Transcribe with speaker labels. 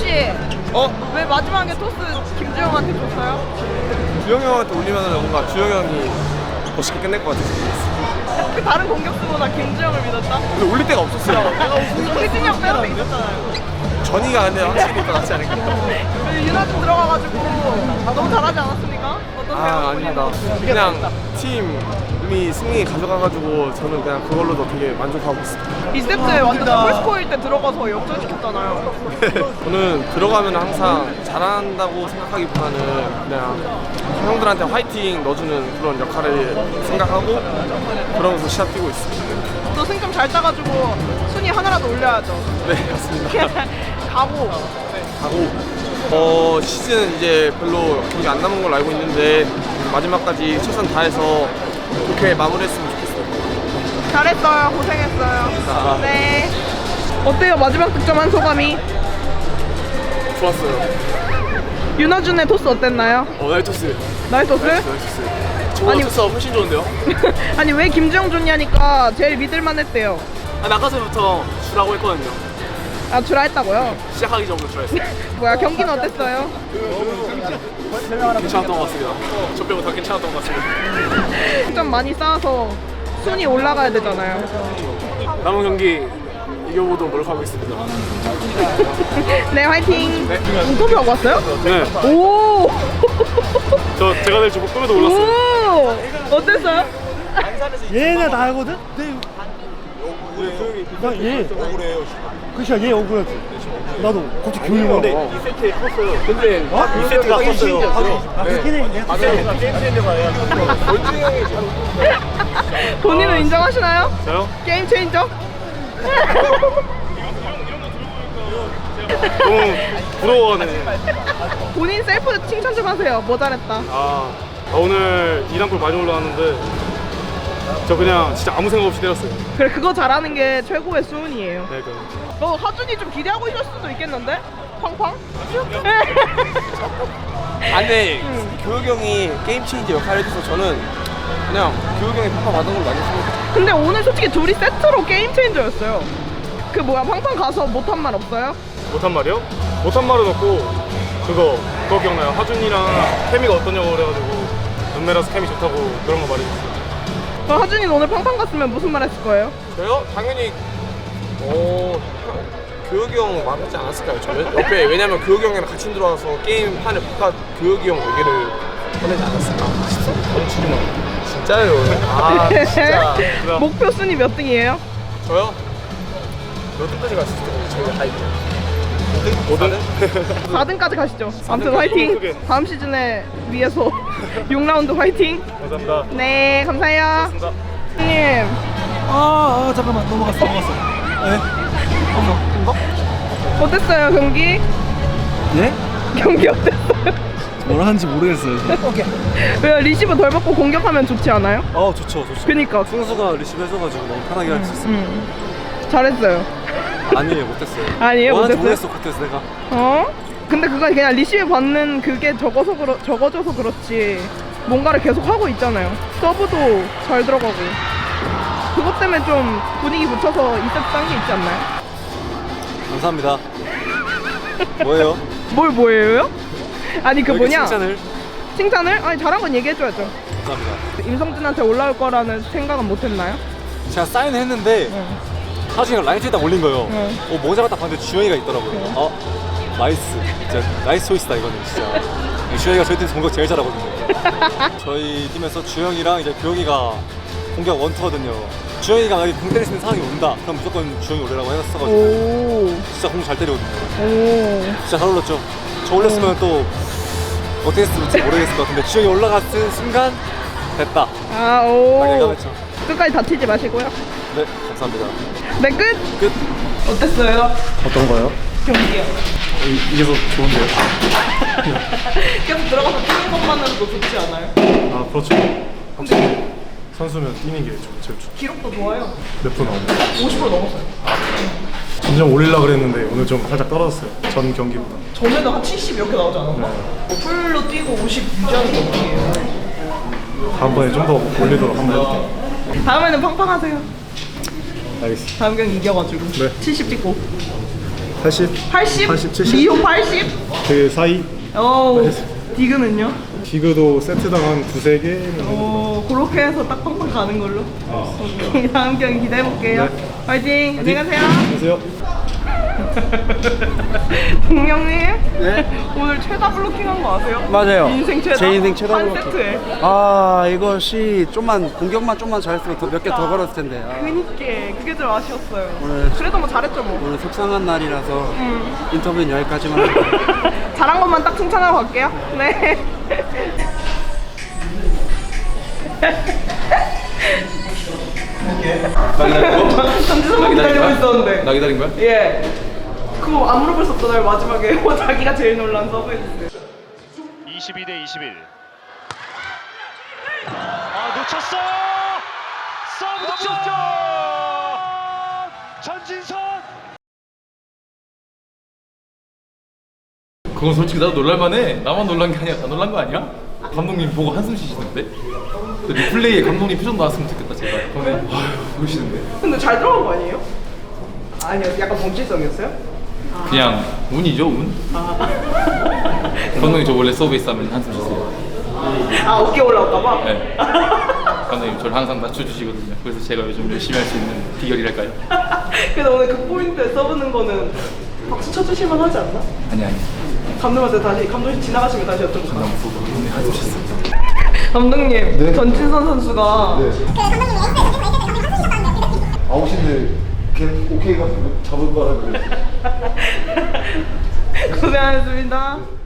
Speaker 1: 왜 마지막에 토스 김주영한테 줬어요?
Speaker 2: 주영이 형한테 올리면 뭔가 주영이 형이 멋있게 끝낼 것 같아서.
Speaker 1: 다른 공격수보다 김주영을 믿었다?
Speaker 2: 근데 올릴 데가 없었어요.
Speaker 1: 휘진이 형 빼도 있었잖아요.
Speaker 2: 전이가 근데 확실히 더 낫지 않을까.
Speaker 1: 유나좀 들어가가지고 너무 잘하지 않았습니까? 어떠세요?
Speaker 2: 아닙니다. 그냥 팀이 승리 가져가가지고 저는 그냥 그걸로도 되게 만족하고 있습니다.
Speaker 1: 2세트에 완전 더블스코어일 때 들어가서 역전시켰잖아요.
Speaker 2: 저는 들어가면 항상 잘한다고 생각하기보다는 그냥 형들한테 화이팅 넣어주는 그런 역할을 생각하고 그러면서 시합 뛰고 있습니다.
Speaker 1: 또 승점 잘 따가지고 순위 하나라도 올려야죠.
Speaker 2: 네, 맞습니다.
Speaker 1: 가고.
Speaker 2: 가고 시즌 이제 별로 경기 안 남은 걸로 알고 있는데 마지막까지 최선 다해서 좋게 마무리했으면 좋겠어요.
Speaker 1: 잘했어요. 고생했어요. 네. 어때요? 마지막 득점한 소감이?
Speaker 2: 좋았어요.
Speaker 1: 윤하준의 토스 어땠나요?
Speaker 2: 나이토스.
Speaker 1: 나이토스?
Speaker 2: 저보다
Speaker 1: 아니-
Speaker 2: 토스가 훨씬 좋은데요?
Speaker 1: 아니 왜 김주영 좋냐니까 제일 믿을만 했대요.
Speaker 2: 아까 전부터 주라고 했거든요.
Speaker 1: 아 주라 했다고요?
Speaker 2: 시작하기 전부터 주라했어요.
Speaker 1: 뭐야 경기는 어땠어요?
Speaker 2: 괜찮았던 것 같습니다. 저 빼고 다 괜찮았던 것 같습니다.
Speaker 1: 득점 많이 쌓아서 순위 올라가야 되잖아요.
Speaker 2: 남은 경기 이겨보도록 노력하겠습니다.
Speaker 1: 네 화이팅. 인터뷰하고 왔어요?
Speaker 2: 네.
Speaker 1: 오.
Speaker 2: 제가 될 줄 꿈에도
Speaker 1: 오. 어땠어요?
Speaker 3: 얘는 다 알거든? 얘 그치야 얘 억울하지 나도 갑자기 교육을
Speaker 2: 근데 2세트에 컸어요. 근데 2세트가 컸어요.
Speaker 3: 그렇긴 해
Speaker 2: 맞아요. 게임 체인저가 해야 원준이 형이
Speaker 1: 본인은 인정하시나요?
Speaker 2: 저요?
Speaker 1: 게임 체인저?
Speaker 2: 너무 부러워하네.
Speaker 1: 본인 셀프 칭찬 좀 하세요. 뭐 잘했다.
Speaker 2: 오늘 2단골 많이 올라왔는데 저 그냥 진짜 아무 생각 없이 때렸어요.
Speaker 1: 그래 그거 잘하는 게 최고의 수훈이에요.
Speaker 2: 네,
Speaker 1: 너 하준이 좀 기대하고 있을 수도 있겠는데? 팡팡?
Speaker 2: 근데 교육 형이 게임 체인저 역할을 해줘서 저는 그냥 교육 형이 평가 받은 걸로 많이 씁니다.
Speaker 1: 근데 오늘 솔직히 둘이 세트로 게임 체인저였어요. 그 뭐야 팡팡 가서 못한 말 없어요?
Speaker 2: 못한 말이요? 못한 말은 없고 그거 기억나요? 하준이랑 케미가 어떠냐고 그래가지고 눈매라서 케미 좋다고 그런 거 말해줬어요.
Speaker 1: 그럼 하준이는 오늘 팡팡 갔으면 무슨 말 했을 거예요?
Speaker 2: 저요? 당연히 교육이 형 말하지 않았을까요? 저 옆에 왜냐면 교육이 형이랑 같이 들어와서 게임 판을 바깥 교육이 형 얘기를 꺼내지 않았을까 싶습니다. 멈추지마. 진짜요? 진짜.
Speaker 1: 목표 순위 몇 등이에요?
Speaker 2: 저요? 몇 등까지 갔을 때 저희가 다 있고 5등?
Speaker 1: 4등까지 가시죠. 아무튼 화이팅!
Speaker 2: 크게.
Speaker 1: 다음 시즌에 위해서 6라운드 화이팅!
Speaker 2: 감사합니다.
Speaker 1: 네 감사해요.
Speaker 2: 고맙습니다.
Speaker 1: 형님
Speaker 3: 잠깐만 넘어갔어 네?
Speaker 1: 어땠어요 경기?
Speaker 3: 예?
Speaker 1: 경기 어땠어요?
Speaker 3: 뭘 하는지 모르겠어요
Speaker 1: 왜요? 리시브 덜 받고 공격하면 좋지 않아요?
Speaker 3: 좋죠
Speaker 1: 그니까
Speaker 3: 승수가 리시브 해줘가지고 너무 편하게 할 수 있어요
Speaker 1: 잘했어요.
Speaker 3: 아니에요 못했어요
Speaker 1: 아니에요
Speaker 3: 뭐 하는지
Speaker 1: 못했어요?
Speaker 3: 모르겠어 겉에서 내가
Speaker 1: 어? 근데 그건 그냥 리시브 받는 그게 적어져서 그렇지 뭔가를 계속 하고 있잖아요. 서브도 잘 들어가고 그것 때문에 좀 분위기 붙여서 2세트 딴 게 있지 않나요?
Speaker 3: 감사합니다 뭐예요?
Speaker 1: 뭘 뭐예요? 아니 그
Speaker 3: 왜 이렇게
Speaker 1: 뭐냐 칭찬을? 아니 잘한 건 얘기해줘야죠.
Speaker 3: 감사합니다
Speaker 1: 임성준한테 올라올 거라는 생각은 못했나요?
Speaker 3: 제가 사인했는데 하준이가 라이트에다 올린 거예요 모자가 딱 봤는데 주영이가 있더라고요 나이스 진짜 나이스 초이스다 이거는 진짜 주영이가 저희 팀에서 공격 제일 잘하거든요 저희 팀에서 주영이랑 이제 교영이가 공격 원투거든요 주영이가 만약에 공 때릴 수 있는 상황이 온다 그럼 무조건 주영이 올리라고 했어가지고
Speaker 1: 오.
Speaker 3: 진짜 공 잘 때리거든요
Speaker 1: 오.
Speaker 3: 진짜 잘 올렸죠 저 올렸으면 또 어떻게 했을지 모르겠을 것 같은데 주영이 올라갔은 순간 됐다
Speaker 1: 아,
Speaker 3: 딱
Speaker 1: 오.
Speaker 3: 예감했죠
Speaker 1: 끝까지 다치지 마시고요.
Speaker 3: 네 감사합니다
Speaker 1: 네, 끝!
Speaker 3: 끝
Speaker 1: 어땠어요?
Speaker 3: 어떤 거요?
Speaker 1: 경기요.
Speaker 3: 이겨서 좋은데요
Speaker 1: 계속 들어가서 뛰는 것만으로도 좋지 않아요?
Speaker 4: 그렇죠. 확실히 선수면 뛰는 게 제일 좋죠.
Speaker 1: 기록도 좋아요.
Speaker 4: 몇 분 나오고
Speaker 1: 50% 넘었어요.
Speaker 4: 점점 올리려고 그랬는데 오늘 좀 살짝 떨어졌어요. 전 경기보다.
Speaker 1: 전에는 한 70 이렇게 나오지 않았나? 풀로 뛰고 50 유지하는 게 어떻게요?
Speaker 4: 다음번에 좀 더 올리도록 한번 해볼게요.
Speaker 1: 다음에는 팡팡하세요.
Speaker 4: 알겠습니다.
Speaker 1: 다음 경기 이겨가지고
Speaker 4: 네.
Speaker 1: 70 찍고
Speaker 4: 80?
Speaker 1: 80?
Speaker 4: 80, 70?
Speaker 1: 리오 80?
Speaker 4: 그 사이.
Speaker 1: 오, 디그는요?
Speaker 4: 디그도 세트당 한 두세 개.
Speaker 1: 오, 그렇게 해서 딱 팡팡 가는 걸로. 오케이, 다음 경기 기대해볼게요.
Speaker 4: 네.
Speaker 1: 화이팅! 안녕히 가세요.
Speaker 4: 안녕하세요.
Speaker 1: 동영님?
Speaker 5: 네?
Speaker 1: 오늘 최다 블로킹한 거 아세요?
Speaker 5: 맞아요.
Speaker 1: 인생 최다.
Speaker 5: 제 인생 최다
Speaker 1: 한
Speaker 5: 블로킹.
Speaker 1: 세트에.
Speaker 5: 아 이것이 좀만 공격만 좀만 잘했으면 몇 개 더 걸었을 텐데. 아,
Speaker 1: 그니까 그게 좀 아쉬웠어요.
Speaker 5: 오늘-
Speaker 1: 그래도 뭐 잘했죠 뭐.
Speaker 5: 오늘 속상한 날이라서 인터뷰는 여기까지만 할게요.
Speaker 1: 잘한 것만 딱 칭찬하고 갈게요. 네.
Speaker 2: 나 기다린 거?
Speaker 1: 전지선만 기다리고 있었는데.
Speaker 2: 나 기다린 거야?
Speaker 1: 예. 그거 안 물어볼 수 없잖아요 마지막에. 자기가 제일 놀란 서브했어요.
Speaker 6: 22대 21. 아 놓쳤어요. 서브 득점. 전진선.
Speaker 7: 그건 솔직히 나도 놀랄만해. 나만 놀란 게 아니야. 다 놀란 거 아니야? 감독님 보고 한숨 쉬시는데? 그 리플레이에 감독님 표정 나왔으면 좋겠다 제발. 그러네. 아휴 그러시는데.
Speaker 1: 근데 잘 들어간 거 아니에요? 아니요, 약간 범실성이었어요?
Speaker 7: 그냥 운이죠 운. 감독님 저 원래 서브에이스 하면 한숨 쉬세요.
Speaker 1: 아, 어깨 올라올까봐?
Speaker 7: 네. 감독님 저를 항상 낮춰주시거든요. 그래서 제가 요즘 열심히 할 수 있는 비결이랄까요?
Speaker 1: 그래서 오늘 그 포인트 써보는 거는 박수 쳐주실만 하지 않나?
Speaker 7: 아니.
Speaker 1: 감독한테 다시, 감독님 지나가시면 다시 여쭤볼까요?
Speaker 7: 너무 부끄러운데 한숨 쉬었어요.
Speaker 1: 감독님, 전진선 선수가
Speaker 4: 아웃인데 걔 오케이가 잡을 거라 그래.
Speaker 1: 고생하셨습니다.